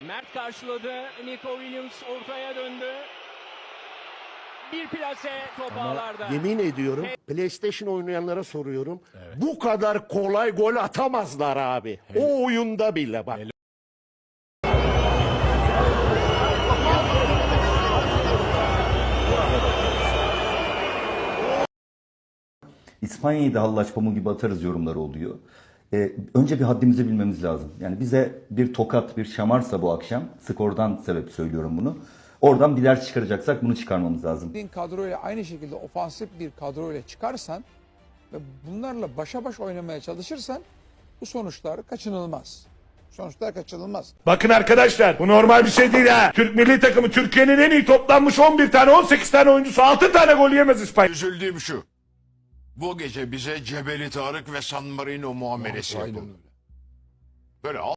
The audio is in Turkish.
Mert karşıladı. Nico Williams ortaya döndü. Bir plase top ağlarda. Yemin ediyorum PlayStation oynayanlara soruyorum. Bu kadar kolay gol atamazlar abi. O oyunda bile bak. İspanya'yı da hallaç pamuğu gibi atarız yorumları oluyor. Önce bir haddimizi bilmemiz lazım. Yani bize bir tokat, bir şamarsa bu akşam, skordan sebep söylüyorum bunu. Oradan bir ders çıkaracaksak bunu çıkarmamız lazım. Kadroyla aynı şekilde ofansif bir kadroyla çıkarsan ve bunlarla başa baş oynamaya çalışırsan bu sonuçlar kaçınılmaz. Sonuçlar kaçınılmaz. Bakın arkadaşlar bu normal bir şey değil ha. Türk milli takımı Türkiye'nin en iyi toplanmış 11 tane 18 tane oyuncusu 6 tane gol yemez İspanya. Üzüldüğüm şu. Bu gece bize Cebeli Tarık ve San Marino muamelesi Aynen yapıldı. öyle. Böyle